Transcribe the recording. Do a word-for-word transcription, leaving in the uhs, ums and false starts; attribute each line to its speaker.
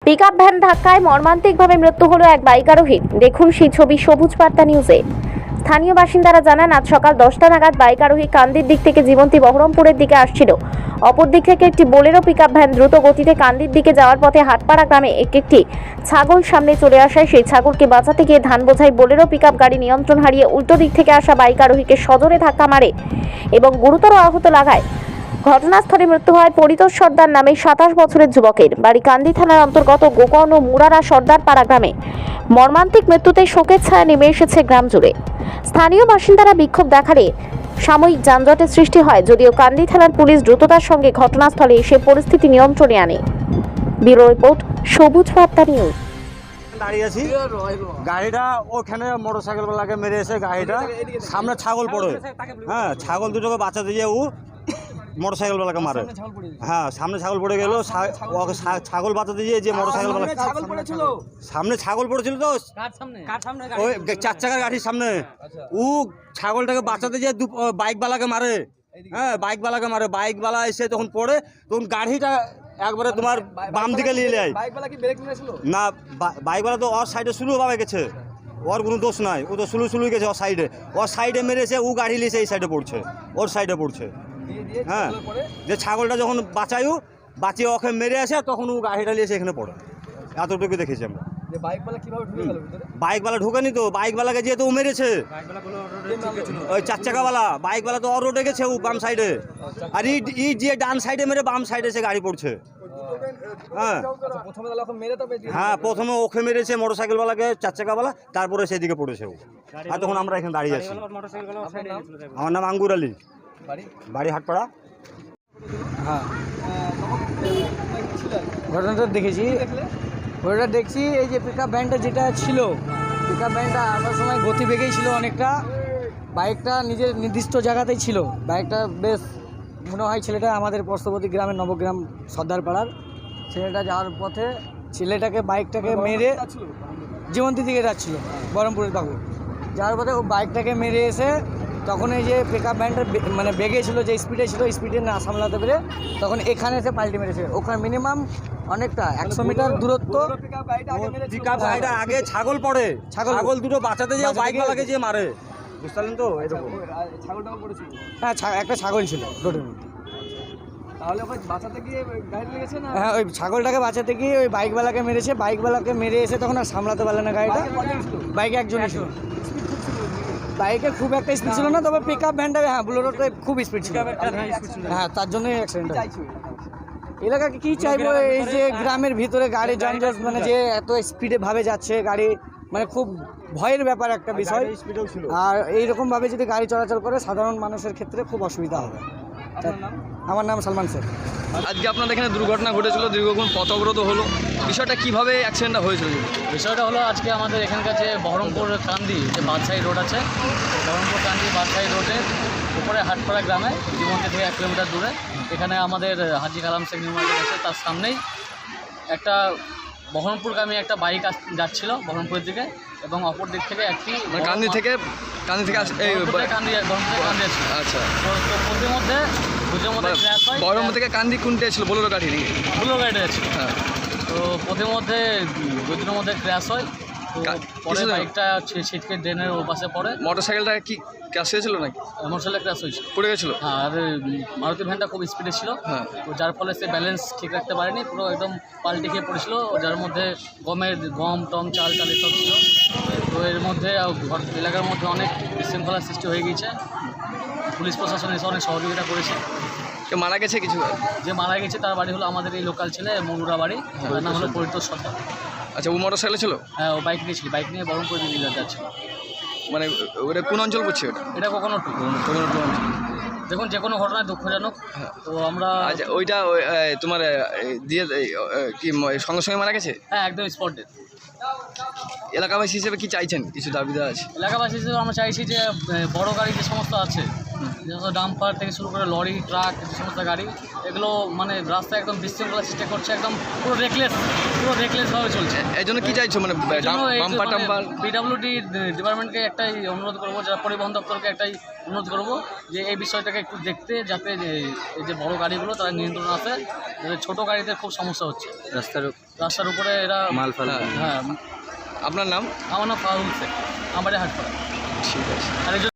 Speaker 1: Pickup van ধাক্কায় মর্মান্তিকভাবে মৃত্যু হলো এক বাইক আরোহীর। দেখুন সেই ছবি সবুজ বার্তা নিউজে। স্থানীয় বাসিন্দারা জানান, আজ সকাল দশটা নাগাদ বাইক আরোহী কান্দির দিক থেকে জীবন্তী বহরমপুরের দিকে আসছিল। অপর দিক থেকে একটি বোলেরো পিকআপ ভ্যান দ্রুত গতিতে কান্দির দিকে যাওয়ার পথে হাটপাড়া গ্রামে একটি ছাগল সামনে চলে আসায় সেই ছাগলকে বাঁচাতে গিয়ে ধান বোঝাই বোলেরো পিকআপ গাড়ি নিয়ন্ত্রণ হারিয়ে উল্টো দিক থেকে আসা বাইক আরোহীকে সজোরে ধাক্কা মারে এবং গুরুতর আহত লাগায়। ঘটনাস্থলে মৃত্যু হয় পরিতোষ সর্দার নামে সাতাশ বছরের যুবকের। বাড়ি কান্দি থানার অন্তর্গত গোকর্ণ মুরারা সর্দার পাড়া গ্রামে। মর্মান্তিক মৃত্যুতে শোকের ছায়া নেমে এসেছে গ্রাম জুড়ে। স্থানীয় বাসিন্দারা বিক্ষোভ দেখালে সাময়িক যানজটের সৃষ্টি হয়, যদিও কান্দি থানার পুলিশ দ্রুততার সঙ্গে ঘটনাস্থলে এসে পরিস্থিতি নিয়ন্ত্রণে আনে। ব্যুরো রিপোর্ট, সবুজ বার্তা নিউজ।
Speaker 2: দাঁড়িয়ে আছি, গাড়িটা ওখানে মোটরসাইকেল বেলাকে মেরে এসে গাড়িটা সামনে ছাগল পড়ে, হ্যাঁ ছাগল দুটোকে বাঁচাতে গিয়ে ও মোটরসাইকেল বেলাকে মারে। হ্যাঁ সামনে ছাগল পড়ে গেল, ছাগল বাঁচাতে গিয়ে যে মোটরসাইকেল বেলা সামনে ছাগল পড়েছিল তো ওই চার চাকার গাড়ির সামনে, ও ছাগলটাকে বাঁচাতে গিয়ে বাইক বালাকে মারে। হ্যাঁ বাইক বালাকে মারে, বাইক বালা এসে তখন পড়ে তখন গাড়িটা একবারে তোমার বাম দিকে নিয়ে যায় না। বাইকওয়ালা তো ওর সাইডে স্লো ভাবে গেছে, ওর কোনো দোষ নাই, ও তো স্লো স্লো গেছে ওর সাইডে, ওর সাইডে মেরেছে, ও গাড়ি নিয়েছে এই সাইডে পড়ছে, ওর সাইডে পড়ছে। হ্যাঁ যে ছাগলটা যখন বাঁচায়ও বাঁচিয়ে ওকে মেরে আসে তখন ও গাড়িটা নিয়েছে এখানে পড়ে, এতটুকু দেখেছি আমরা। বাইকওয়ালা ঢুকেনি তো, বাইকওয়ালাকে যেহেতু ও মেরেছে, ওই চার চাকাওয়ালা বাইকওয়ালা তো ওর রোডে গেছে, ও বাম সাইডে, আর ই যে ডান সাইডে মেরে বাম সাইডে সে গাড়ি পড়ছে। হ্যাঁ হ্যাঁ প্রথমে ওকে মেরেছে মোটরসাইকেলওয়ালাকে, চার চাকাওয়ালা, তারপরে সেদিকে পড়েছে ও। আর তখন আমরা এখানে দাঁড়িয়ে আছি। আমার নাম আঙ্গুর আলী, বাড়ি হাটপাড়া।
Speaker 3: হ্যাঁ ঘটনাটা দেখেছি, ওটা দেখছি এই যে পিকআপ ভ্যানটা যেটা ছিল, পিকআপ ভ্যানটা আসার সময় গতিবেগেই ছিল অনেকটা, বাইকটা নিজের নির্দিষ্ট জায়গাতেই ছিল। বাইকটা বেশ মনে হয় ছেলেটা আমাদের পার্শ্ববর্তী গ্রামের নবগ্রাম সর্দারপাড়ার ছেলেটা যাওয়ার পথে ছেলেটাকে বাইকটাকে মেরে জীবন্তী দিকে যাচ্ছিল বহরমপুরের বাবু, যাওয়ার পথে ও বাইকটাকে মেরে এসে তখন এই যে পিকআপ ভ্যানটা মানে বেগে ছিল, যে স্পিডে ছিল, স্পিডে না সামলাতে পেরে তখন এখানে এসে পাল্টি মেরেছে। ওখানে মিনিমাম অনেকটা একশো মিটার দূরত্ব।
Speaker 2: পিকআপ গাড়িটা আগে ছাগল পড়ে, ছাগল দুটো বাঁচাতে যায় বাইকওয়ালাকে যে মারে, বুঝতে পারলেন তো এরকম।
Speaker 3: হ্যাঁ একটা ছাগল ছিল রোডের মধ্যে,
Speaker 4: তাহলে ওই বাঁচাতে গিয়ে গাড়ি লেগেছে না?
Speaker 3: হ্যাঁ ওই ছাগলটাকে বাঁচাতে গিয়ে ওই বাইকওয়ালাকে মেরেছে, বাইকওয়ালাকে মেরে এসে তখন আর সামলাতে পারলে না গাড়িটা। বাইকে একজনই ছিল, বাইকে খুব একটা স্পিড ছিল না, তবে পিকআপ ভ্যানটা হ্যাঁ বোলেরোটা খুব স্পিড ছিল। হ্যাঁ তার জন্যই অ্যাক্সিডেন্ট হয়েছে। এলাকাকে কী চাইবো, এই যে গ্রামের ভিতরে গাড়ি যানজট, মানে যে এত স্পিডে ভাবে যাচ্ছে গাড়ি, মানে খুব ভয়ের ব্যাপার একটা বিষয়। আর এইরকমভাবে যদি গাড়ি চলাচল করে সাধারণ মানুষের ক্ষেত্রে খুব অসুবিধা হবে। আমার নাম সালমান শেখ।
Speaker 4: আজকে আপনাদের এখানে দুর্ঘটনা ঘটেছিল, দীর্ঘক্ষণ পথ অবরোধ হলো, বিষয়টা কিভাবে অ্যাক্সিডেন্টটা হয়েছিল?
Speaker 5: বিষয়টা হলো আজকে আমাদের এখানকার যে বহরমপুর কান্দি যে বাদশাহী রোড আছে, বহরমপুর কান্দি বাদশাহী রোডের উপরে হাটপাড়া গ্রামে জীবন্তী থেকে এক কিলোমিটার দূরে, এখানে আমাদের হাজি কালাম শেখ নিউ মার্কেট আছে, তার সামনেই একটা বহরমপুরগামী একটা বাইক যাচ্ছিল বহরমপুরের দিকে, এবং অপর দিক থেকে একটি
Speaker 4: কান্দি থেকে কান্দি থেকে
Speaker 5: কান্দি বহরমপুর কান্দি আছে।
Speaker 4: আচ্ছা,
Speaker 5: তো পথের মধ্যে দুটোর মধ্যে ক্র্যাশ হয়।
Speaker 4: বহরমপুর থেকে কান্দি কোনটা ছিল? বোলেরো গাড়ি নিয়ে
Speaker 5: বোলেরো গাড়িটা ছিল।
Speaker 4: হ্যাঁ,
Speaker 5: তো পথের মধ্যে দুটোর মধ্যে ক্র্যাশ হয়, তো পরে বাইকটা ছিটকে ড্রেনের ওপাশে পড়ে।
Speaker 4: মোটরসাইকেলটা কি ক্র্যাশ হয়েছিল নাকি?
Speaker 5: মোটরসাইকেল ক্র্যাশ হয়েছিল,
Speaker 4: পড়ে গেছিলো।
Speaker 5: হ্যাঁ, আর মারুতি ভ্যানটা খুব স্পিডে ছিল,
Speaker 4: হ্যাঁ,
Speaker 5: তো যার ফলে সে ব্যালেন্স ঠিক রাখতে পারেনি, পুরো একদম পাল্টি খেয়ে পড়েছিল, যার মধ্যে গমের গম টম চাল চাল এসব ছিল। তো এর মধ্যে এলাকার মধ্যে অনেক বিশৃঙ্খলার সৃষ্টি হয়ে গিয়েছে। পুলিশ প্রশাসন এসে অনেক সহযোগিতা করেছে।
Speaker 4: কেউ মারা গেছে কিছু?
Speaker 5: যে মারা গেছে তার বাড়ি হলো আমাদের এই লোকাল ছেলে মনুরা বাড়ি, তার নাম হলো পরিতোষ সর্দার।
Speaker 4: আচ্ছা, ও মোটরসাইকেল ছিল?
Speaker 5: হ্যাঁ, ও বাইক নিয়েছিল, বাইক নিয়ে বহরমপুর দিল্লি যাচ্ছিল।
Speaker 4: মানে ওটা কোন অঞ্চল পড়ছে ওটা?
Speaker 5: এটা কখনো
Speaker 4: কখনো টু অঞ্চল।
Speaker 5: দেখুন যে কোনো ঘটনায় দুঃখজনক, তো আমরা
Speaker 4: আচ্ছা ওইটা তোমার দিয়ে কি সঙ্গে সঙ্গে মারা গেছে?
Speaker 5: হ্যাঁ একদম স্পটে।
Speaker 4: এলাকাবাসী হিসেবে কি চাইছেন? কিছু দাবিদার আছে?
Speaker 5: এলাকাবাসী হিসেবে আমরা চাইছি যে বড় গাড়ি যে সমস্ত আছে, যে সমস্ত ডাম্পার থেকে শুরু করে লরি ট্রাক যে সমস্ত গাড়ি, এগুলো মানে রাস্তায় একদম বিশৃঙ্খলা সৃষ্টি করছে, একদম পুরো রেকলেস পুরো রেকলেসভাবে চলছে।
Speaker 4: এই জন্য কী চাইছো? মানে বাম্পার টাম্পার
Speaker 5: পিডাব্লিউডি ডিপার্টমেন্টকে একটাই অনুরোধ করবো, যারা পরিবহন দপ্তরকে একটাই অনুরোধ করবো যে এই বিষয়টাকে একটু দেখতে, যাতে এই যে বড় গাড়িগুলো তারা নিয়ন্ত্রণ আসে, যাতে ছোটো গাড়িতে খুব সমস্যা হচ্ছে রাস্তার। রাস্তার উপরে এরা
Speaker 4: মাল ফাল
Speaker 5: হ্যাঁ
Speaker 4: আপনার নাম?
Speaker 5: আমার নাম ফাহুল শেখ, আমার হাটপাড়া।
Speaker 4: ঠিক আছে।
Speaker 5: আর একজন